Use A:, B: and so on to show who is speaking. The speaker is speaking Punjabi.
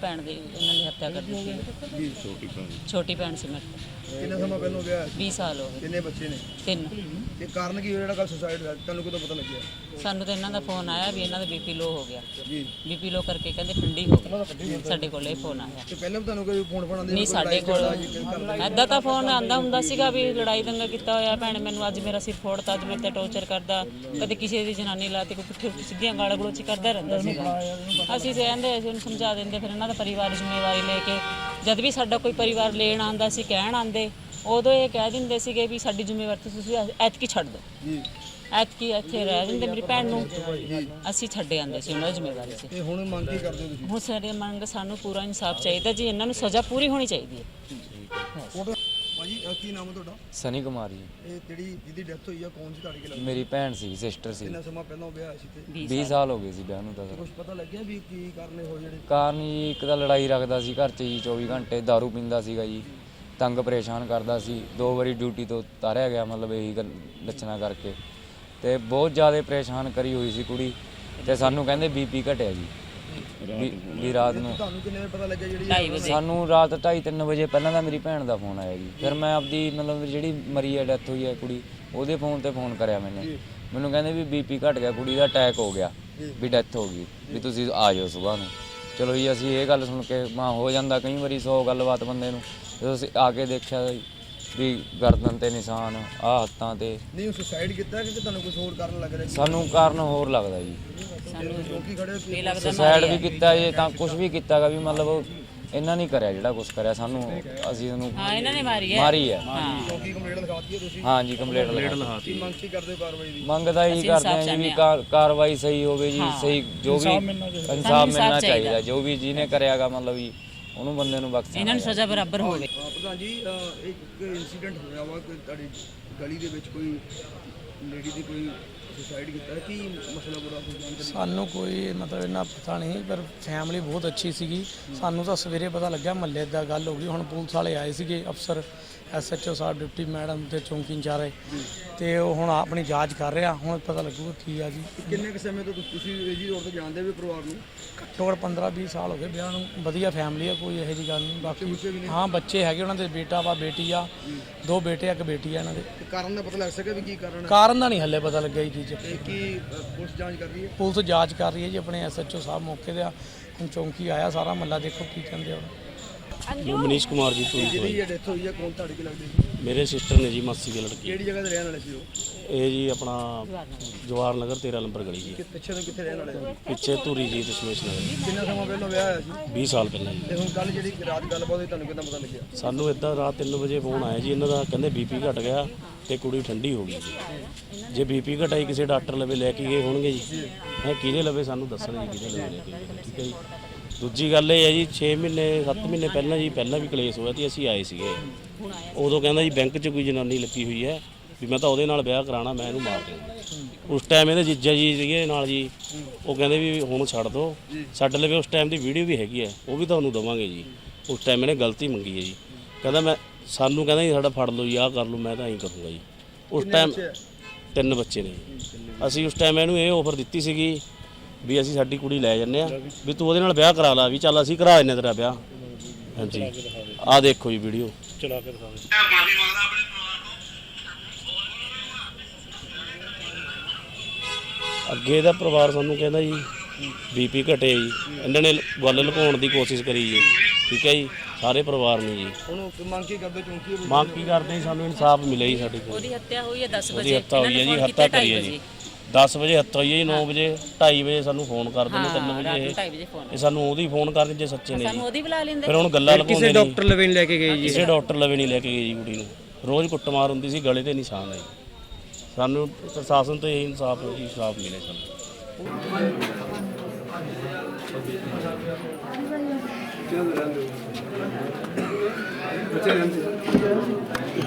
A: ਭੈਣ ਦੀ ਇਹਨਾਂ ਨੇ ਹੱਤਿਆ ਕਰ ਦਿੱਤੀ ਜੀ। ਛੋਟੀ ਭੈਣ ਸੀ ਮੇਰੇ ਤੋਂ।
B: ਕਿੰਨਾ ਸਮਾਂ ਪਹਿਲਾਂ ਵਿਆਹ ਹੋਇਆ ਸੀ?
A: 20 ਸਾਲ ਹੋ ਗਏ।
B: ਕਿੰਨੇ ਬੱਚੇ ਨੇ?
A: 3।
B: ਤੇ ਕਾਰਨ ਕੀ ਹੋਇਆ ਜਿਹੜਾ ਕੱਲ ਸੁਸਾਈਡ ਹੋਇਆ? ਤੁਹਾਨੂੰ ਕਦੋਂ ਪਤਾ ਲੱਗਿਆ?
A: ਸਾਨੂੰ ਤਾਂ ਇਹਨਾਂ ਦਾ ਫੋਨ ਆਇਆ ਵੀ ਇਹਨਾਂ ਦਾ ਬੀਪੀ ਲੋ ਹੋ ਗਿਆ
B: ਜੀ।
A: ਬੀਪੀ ਲੋ ਕਰਕੇ ਕਹਿੰਦੇ ਠੰਡੀ ਹੋ ਗਈ। ਸਾਡੇ ਕੋਲ ਇਹ ਫੋਨ ਆਇਆ।
B: ਤੇ ਪਹਿਲਾਂ ਵੀ ਤੁਹਾਨੂੰ ਕੋਈ ਫੋਨ ਆਉਂਦੇ?
A: ਨਹੀਂ ਸਾਡੇ ਕੋਲ ਐਦਾਂ ਤਾਂ ਫੋਨ ਆਂਦਾ ਹੁੰਦਾ ਸੀਗਾ ਵੀ ਲੜਾਈ ਦੰਗਾ ਕੀਤਾ ਹੋਇਆ, ਭੈਣ ਮੈਨੂੰ ਅੱਜ ਮੇਰਾ ਸਿਰ ਫੋੜਤਾ, ਅੱਜ ਮੇਰੇ ਤੇ ਟੌਰਚਰ ਕਰਦਾ, ਕਦੇ ਕਿਸੇ ਦੀ ਜਨਾਨੀ ਲਾਤੀ, ਕੋਈ ਪੁੱਠੇ ਸਿੱਧੀਆਂ ਗਾਲਾਂ ਗਲੋਚ ਕਰਦਾ ਰਹਿੰਦਾ ਸੀਗਾ। ਅਸੀਂ ਕਹਿੰਦੇ ਅਸੀਂ ਉਹਨੂੰ ਸਮਝਾ ਦਿੰਦੇ, ਫਿਰ ਇਹਨਾਂ ਦਾ ਪਰਿਵਾਰ ਜ਼ਿੰਮੇਵਾਰੀ ਲੈ ਕੇ ਜਦ ਵੀ ਸਾਡਾ ਕੋਈ ਪਰਿਵਾਰ ਲੈਣ ਆਉਂਦਾ ਸੀ, ਕਹਿਣ ਆਉਂਦੇ, ਉਦੋਂ ਇਹ ਕਹਿ ਦਿੰਦੇ ਸੀਗੇ ਵੀ ਸਾਡੀ ਜ਼ਿੰਮੇਵਾਰੀ ਤੁਸੀਂ ਐਤਕੀ ਛੱਡ ਦਿਓ, ਐਤਕੀ ਇੱਥੇ ਰਹਿ ਜਾਂਦੇ ਮੇਰੀ ਭੈਣ ਨੂੰ, ਅਸੀਂ ਛੱਡੇ ਆਉਂਦੇ ਸੀ ਉਹਨਾਂ ਦੀ ਜ਼ਿੰਮੇਵਾਰੀ 'ਚ।
B: ਤੇ ਹੁਣ ਮੰਗ ਕੀ ਕਰਦੇ ਹੋ ਤੁਸੀਂ?
A: ਹੁਣ ਸਾਡੇ ਮੰਗ ਸਾਨੂੰ ਪੂਰਾ ਇਨਸਾਫ ਚਾਹੀਦਾ ਜੀ, ਇਹਨਾਂ ਨੂੰ ਸਜ਼ਾ ਪੂਰੀ ਹੋਣੀ ਚਾਹੀਦੀ ਹੈ।
B: ਭਾਜੀ ਕੀ ਨਾਮ ਹੈ ਤੁਹਾਡਾ?
C: ਸਨੀ ਕੁਮਾਰ ਜੀ।
B: ਇਹ ਜਿਹਦੀ ਡੈਥ ਹੋਈ ਆ ਕੌਣ ਸੀ ਤੁਹਾਡੇ ਕੋਲ?
C: ਮੇਰੀ ਭੈਣ ਸੀ, ਸਿਸਟਰ ਸੀ।
B: ਕਿੰਨਾ ਸਮਾਂ ਪਹਿਲਾਂ ਵਿਆਹ ਹੋਇਆ ਸੀ ਤੇ
C: 20 ਸਾਲ ਹੋ ਗਏ ਸੀ ਵਿਆਹ ਨੂੰ ਤਾਂ।
B: ਕੁਝ ਪਤਾ ਲੱਗਿਆ ਵੀ ਕੀ ਕਾਰਨ ਹੋਏ ਜਿਹੜੇ?
C: ਕਾਰਨ ਜੀ ਇੱਕ ਤਾਂ ਲੜਾਈ ਰੱਖਦਾ ਸੀ ਘਰ 'ਚ ਜੀ, 24 ਘੰਟੇ ਦਾਰੂ ਪੀਂਦਾ ਸੀਗਾ ਜੀ, ਤੰਗ ਪਰੇਸ਼ਾਨ ਕਰਦਾ ਸੀ। 2 ਵਾਰੀ ਡਿਊਟੀ ਤੋਂ ਉਤਾਰਿਆ ਗਿਆ, ਮਤਲਬ ਇਹੀ ਲੱਛਣਾ ਕਰਕੇ, ਤੇ ਬਹੁਤ ਜ਼ਿਆਦਾ ਪਰੇਸ਼ਾਨ ਕਰੀ ਹੋਈ ਸੀ ਕੁੜੀ। ਤੇ ਸਾਨੂੰ ਕਹਿੰਦੇ ਬੀਪੀ ਘਟਿਆ ਜੀ ਵੀ ਰਾਤ ਨੂੰ।
B: ਤੁਹਾਨੂੰ ਕਿੰਨੇ ਵਜੇ ਪਤਾ ਲੱਗਿਆ ਜਿਹੜੀ?
A: 2:30 ਵਜੇ।
C: ਸਾਨੂੰ ਰਾਤ 2:30-3 ਵਜੇ ਪਹਿਲਾਂ ਤਾਂ ਮੇਰੀ ਭੈਣ ਦਾ ਫੋਨ ਆਇਆ ਜੀ। ਫਿਰ ਮੈਂ ਆਪਦੀ ਮਤਲਬ ਜਿਹੜੀ ਮਰੀ ਹੈ, ਡੈਥ ਹੋਈ ਹੈ ਕੁੜੀ, ਉਹਦੇ ਫੋਨ ਤੇ ਫੋਨ ਕਰਿਆ ਮੈਨੂੰ ਕਹਿੰਦੇ ਵੀ ਬੀਪੀ ਘਟ ਗਿਆ, ਕੁੜੀ ਦਾ ਅਟੈਕ ਹੋ ਗਿਆ, ਵੀ ਡੈਥ ਹੋ ਗਈ, ਵੀ ਤੁਸੀਂ ਆ ਜਾਓ ਸੁਬਾਹ ਨੂੰ। ਚਲੋ ਜੀ ਅਸੀਂ ਇਹ ਗੱਲ ਸੁਣ ਕੇ ਮਾਂ ਹੋ ਜਾਂਦਾ ਕਈ ਵਾਰੀ 100 ਗੱਲਬਾਤ ਬੰਦੇ ਨੂੰ। ਜਦੋਂ ਅਸੀਂ ਆ ਕੇ ਦੇਖਿਆ ਵੀ ਗਰਦਨ ਤੇ ਨਿਸ਼ਾਨ, ਆਹ ਹੱਥਾਂ ਤੇ।
B: ਨਹੀਂ ਸੁਸਾਈਡ ਕੀਤਾ ਕਿ ਤੁਹਾਨੂੰ ਕੁਝ ਹੋਰ ਕਾਰਨ ਲੱਗ ਰਿਹਾ?
C: ਸਾਨੂੰ ਕਾਰਨ ਹੋਰ ਲੱਗਦਾ ਜੀ।
B: ਲੋਕੀ ਖੜੇ
A: ਇਹ ਲੱਗਦਾ
C: ਸੁਸਾਈਡ ਵੀ ਕੀਤਾ ਜੇ ਤਾਂ ਕੁਝ ਵੀ ਕੀਤਾਗਾ, ਵੀ ਮਤਲਬ ਇਹਨਾਂ ਨਹੀਂ ਕਰਿਆ ਜਿਹੜਾ ਕੁਝ ਕਰਿਆ ਸਾਨੂੰ। ਅਸੀਂ ਇਹਨੂੰ
A: ਹਾਂ ਇਹਨਾਂ ਨੇ ਮਾਰੀ ਹੈ।
B: ਚੌਕੀ ਕੰਪਲੇਂਟ ਲਿਖਾਤੀ ਹੈ ਤੁਸੀਂ?
C: ਹਾਂ ਜੀ ਕੰਪਲੇਂਟ ਲਿਖਾਤੀ।
B: ਮੰਗ ਕੀ ਕਰਦੇ ਹੋ ਕਾਰਵਾਈ ਦੀ?
C: ਮੰਗ ਤਾਂ ਇਹੀ ਕਰਦੇ ਹਾਂ ਜੀ ਵੀ ਕਾਰਵਾਈ ਸਹੀ ਹੋਵੇ ਜੀ, ਸਹੀ ਜੋ ਵੀ ਇਨਸਾਫ ਮਿਲਣਾ ਚਾਹੀਦਾ, ਜੋ ਵੀ ਜਿਹਨੇ ਕਰਿਆਗਾ ਮਤਲਬ ਜੀ ਉਹਨੂੰ ਬੰਦੇ ਨੂੰ ਬਖਸ਼ਣਾ,
A: ਇਹਨਾਂ ਨੂੰ ਸਜ਼ਾ ਬਰਾਬਰ ਹੋਵੇ।
B: ਪ੍ਰਧਾਨ ਜੀ ਇੱਕ ਇਨਸੀਡੈਂਟ ਹੋਇਆ ਵਾ ਕਿ ਤੁਹਾਡੀ ਗਲੀ ਦੇ ਵਿੱਚ ਕੋਈ ਲੇਡੀ ਦੀ ਕੋਈ ਸੁਸਾਈਡ ਕੀਤਾ, ਕੀ ਮਸਲਾ ਬੁਰਾ ਕੋਈ ਜਾਣਕਾਰੀ?
D: ਸਾਨੂੰ ਕੋਈ ਮਤਲਬ ਇੰਨਾ ਪਤਾ ਨਹੀਂ, ਪਰ ਫੈਮਿਲੀ ਬਹੁਤ ਅੱਛੀ ਸੀਗੀ। ਸਾਨੂੰ ਤਾਂ ਸਵੇਰੇ ਪਤਾ ਲੱਗਿਆ, ਮਹੱਲੇ ਦਾ ਗੱਲ ਹੋ ਗਈ। ਹੁਣ ਪੁਲਿਸ ਵਾਲੇ ਆਏ ਸੀਗੇ, ਅਫਸਰ SHO ਸਾਹਿਬ, ਡਿਪਟੀ ਮੈਡਮ ਤੇ ਚੌਂਕੀ ਇੰਚਾਰਜ, ਤੇ ਉਹ ਹੁਣ ਆਪਣੀ ਜਾਂਚ ਕਰ ਰਿਹਾ। ਹੁਣ ਪਤਾ ਲੱਗੂਗਾ ਕੀ ਆ ਜੀ।
B: ਕਿੰਨੇ ਕੁ ਸਮੇਂ ਤੋਂ ਤੁਸੀਂ ਜੀ ਰੋਡ ਤੋਂ ਜਾਣਦੇ ਵੀ ਪਰਿਵਾਰ ਨੂੰ?
D: ਘੱਟੋ ਘੱਟ 15-20 ਸਾਲ ਹੋ ਗਏ ਵਿਆਹ ਨੂੰ। ਵਧੀਆ ਫੈਮਿਲੀ ਆ, ਕੋਈ ਇਹੋ ਜਿਹੀ ਗੱਲ ਨਹੀਂ। ਬਾਕੀ ਹਾਂ ਬੱਚੇ ਹੈਗੇ ਉਹਨਾਂ ਦੇ, ਬੇਟਾ ਵਾ, ਬੇਟੀ ਆ, 2 ਬੇਟੇ ਆ, 1 ਬੇਟੀ ਆ ਇਹਨਾਂ ਦੇ।
B: ਕਾਰਨ ਦਾ ਪਤਾ ਲੱਗ ਸਕਿਆ ਵੀ ਕੀ ਕਾਰਨ ਹੈ?
D: ਕਾਰਨ ਦਾ ਨਹੀਂ ਹੱਲੇ ਪਤਾ ਲੱਗਿਆ ਜੀ ਚੀਜ਼।
B: ਤੇ ਕੀ ਪੁਲਿਸ ਜਾਂਚ ਕਰ ਰਹੀ ਹੈ?
D: ਪੁਲਿਸ ਜਾਂਚ ਕਰ ਰਹੀ ਹੈ ਜੀ, ਆਪਣੇ SHO ਸਾਹਿਬ ਮੌਕੇ ਤੇ ਆ। ਹੁਣ ਚੌਂਕੀ ਆਇਆ, ਸਾਰਾ ਮਹੱਲਾ ਦੇਖੋ ਕੀ ਕਹਿੰਦੇ ਆ।
E: ਮਨੀਸ਼ ਕੁਮਾਰ ਜੀ ਤੋਂ
B: ਜਿਹਦੀ ਇਹ ਡੈਥ ਹੋਈ ਹੈ ਕੌਣ ਤੁਹਾਡੇ ਕੀ ਲੱਗਦੀ ਸੀ?
E: ਮੇਰੇ ਸਿਸਟਰ ਨੇ ਜੀ, ਮਾਸੀ ਦੀ ਲੜਕੀ।
B: ਕਿਹੜੀ ਜਗ੍ਹਾ ਤੇ ਰਹਿਣ ਵਾਲੇ ਸੀ ਉਹ?
E: ਇਹ ਜੀ ਆਪਣਾ ਜਵਾਹਰ ਨਗਰ 13 ਨੰਬਰ ਗਲੀ ਜੀ,
B: ਪਿੱਛੇ ਤੋਂ ਕਿੱਥੇ ਰਹਿਣ ਵਾਲੇ?
E: ਪਿੱਛੇ ਧੂਰੀ ਜੀ, ਦਸ਼ਮੇਸ਼ ਨਗਰ।
B: ਕਿੰਨਾ ਸਮਾਂ ਪਹਿਲਾਂ ਵਿਆਹ ਹੋਇਆ ਸੀ?
E: 20 ਸਾਲ ਪਹਿਲਾਂ ਜੀ।
B: ਤੇ ਹੁਣ ਕੱਲ ਜਿਹੜੀ ਰਾਤ ਗੱਲਬਾਤ ਹੋਈ ਤੁਹਾਨੂੰ ਕਿੱਦਾਂ ਪਤਾ ਲੱਗਿਆ?
E: ਸਾਨੂੰ ਇੱਦਾਂ ਰਾਤ 3 ਵਜੇ ਫੋਨ ਆਇਆ ਜੀ ਇਹਨਾਂ ਦਾ, ਕਹਿੰਦੇ ਬੀਪੀ ਘਟ ਗਿਆ ਤੇ ਕੁੜੀ ਠੰਡੀ ਹੋ ਗਈ ਜੀ। ਜੇ ਬੀਪੀ ਘਟਾਈ ਕਿਸੇ ਡਾਕਟਰ ਲਵੇ ਲੈ ਕੇ ਗਏ ਹੋਣਗੇ ਜੀ, ਕਿਹਦੇ ਲਵੇ ਸਾਨੂੰ ਦੱਸਣ ਜੀ ਕਿਹਦੇ ਲਵੇ ਲੈ ਕੇ ਗਏ, ਠੀਕ ਹੈ ਜੀ। ਦੂਜੀ ਗੱਲ ਇਹ ਹੈ ਜੀ, 6 ਮਹੀਨੇ 7 ਮਹੀਨੇ ਪਹਿਲਾਂ ਜੀ, ਪਹਿਲਾਂ ਵੀ ਕਲੇਸ਼ ਹੋਇਆ ਤੇ ਅਸੀਂ ਆਏ ਸੀਗੇ। ਉਦੋਂ ਕਹਿੰਦਾ ਜੀ ਬੈਂਕ 'ਚ ਕੋਈ ਜਨਾਨੀ ਲੱਗੀ ਹੋਈ ਹੈ, ਵੀ ਮੈਂ ਤਾਂ ਉਹਦੇ ਨਾਲ ਵਿਆਹ ਕਰਾਉਣਾ, ਮੈਂ ਇਹਨੂੰ ਮਾਰ ਦੇਣਾ। ਉਸ ਟਾਈਮ ਇਹਦੇ ਜੀਜਾ ਜੀ ਸੀਗੇ ਨਾਲ ਜੀ, ਉਹ ਕਹਿੰਦੇ ਵੀ ਹੁਣ ਛੱਡ ਦਿਓ। ਸਾਡੇ ਲਵੇ ਉਸ ਟਾਈਮ ਦੀ ਵੀਡੀਓ ਵੀ ਹੈਗੀ ਹੈ, ਉਹ ਵੀ ਤੁਹਾਨੂੰ ਦੇਵਾਂਗੇ ਜੀ। ਉਸ ਟਾਈਮ ਇਹਨੇ ਗਲਤੀ ਮੰਗੀ ਹੈ ਜੀ, ਕਹਿੰਦਾ ਸਾਨੂੰ ਕਹਿੰਦਾ ਜੀ ਸਾਡਾ ਫੜ ਲਓ ਜੀ, ਆਹ ਕਰ ਲਓ, ਮੈਂ ਤਾਂ ਐਂ ਕਰੂੰਗਾ ਜੀ। ਉਸ ਟਾਈਮ 3 ਬੱਚੇ ਨੇ। ਅਸੀਂ ਉਸ ਟਾਈਮ ਇਹਨੂੰ ਇਹ ਆਫਰ ਦਿੱਤੀ ਸੀਗੀ ਵੀ ਅਸੀਂ ਸਾਡੀ ਕੁੜੀ ਲੈ ਜੰਨੇ ਆ, ਵੀ ਤੂੰ ਉਹਦੇ ਨਾਲ ਵਿਆਹ ਕਰਾ ਲਾ, ਵੀ ਚੱਲ ਅਸੀਂ ਕਰਾ ਦਿੰਨੇ ਤੇਰਾ ਵਿਆਹ। ਹਾਂਜੀ ਆਹ ਦੇਖੋ ਜੀ ਵੀਡੀਓ ਚਲਾ ਕੇ ਦਿਖਾਓ। ਅੱਗੇ ਦਾ ਪਰਿਵਾਰ ਸਾਨੂੰ ਕਹਿੰਦਾ ਜੀ ਬੀਪੀ ਘਟੇ ਜੀ, ਇਹਨਾਂ ਨੇ ਗੱਲ ਲੁਕਾਉਣ ਦੀ ਕੋਸ਼ਿਸ਼ ਕਰੀ ਜੀ, ਠੀਕ ਹੈ ਜੀ, ਸਾਰੇ ਪਰਿਵਾਰ ਨੇ ਜੀ।
B: ਹੁਣ ਮੰਗ ਕੀ ਕਰਦੇ? ਚੌਂਕੀ
E: ਮੰਗ ਕੀ ਕਰਦੇ? ਸਾਨੂੰ ਇਨਸਾਫ ਮਿਲੇ ਜੀ ਸਾਡੀ ਕੁੜੀ।
A: ਉਹਦੀ ਹੱਤਿਆ ਹੋਈ ਹੈ 10
E: ਉਹਦੀ
A: ਵਜੇ।
E: ਹੱਤਿਆ ਹੋਈ ਹੈ ਜੀ, ਹੱਤਿਆ ਕਰੀ ਹੈ ਜੀ। 10 ਵਜੇ ਹੱਤਿਆ ਹੋਈ ਹੈ ਜੀ, 9 ਵਜੇ 2:30 ਵਜੇ ਸਾਨੂੰ ਫੋਨ ਕਰਦੇ ਨੇ, 3 ਵਜੇ
A: 2:30 ਵਜੇ ਫੋਨ
E: ਇਹ ਸਾਨੂੰ ਉਹਦੀ ਫੋਨ ਕਰਦੇ ਜੇ ਸੱਚੇ ਨੇ ਜੀ।
A: ਸਾਨੂੰ ਉਹਦੀ ਬੁਲਾ ਲੈਂਦੇ।
E: ਫਿਰ ਹੁਣ ਗੱਲਾਂ ਲਗਾਉਂਦੇ
F: ਕਿਸੇ ਡਾਕਟਰ ਲਵੇ ਨਹੀਂ ਲੈ ਕੇ ਗਏ ਜੀ?
E: ਕਿਸੇ ਡਾਕਟਰ ਲਵੇ ਨਹੀਂ ਲੈ ਕੇ ਗਏ ਜੀ ਕੁੜੀ ਨੂੰ। ਰੋਜ਼ ਕੁੱਟਮਾਰ ਹੁੰਦੀ ਸੀ, ਗਲੇ ਤੇ ਨਿਸ਼ਾਨ ਹੈ ਜੀ। ਸਾਨੂੰ ਪ੍ਰਸ਼ਾਸਨ ਤੋਂ ਇਹ ਇਨਸਾਫ ਮਿਲੇ ਸਾਨੂੰ।
B: ਬੱਚੇ ਰਹਿੰਦੇ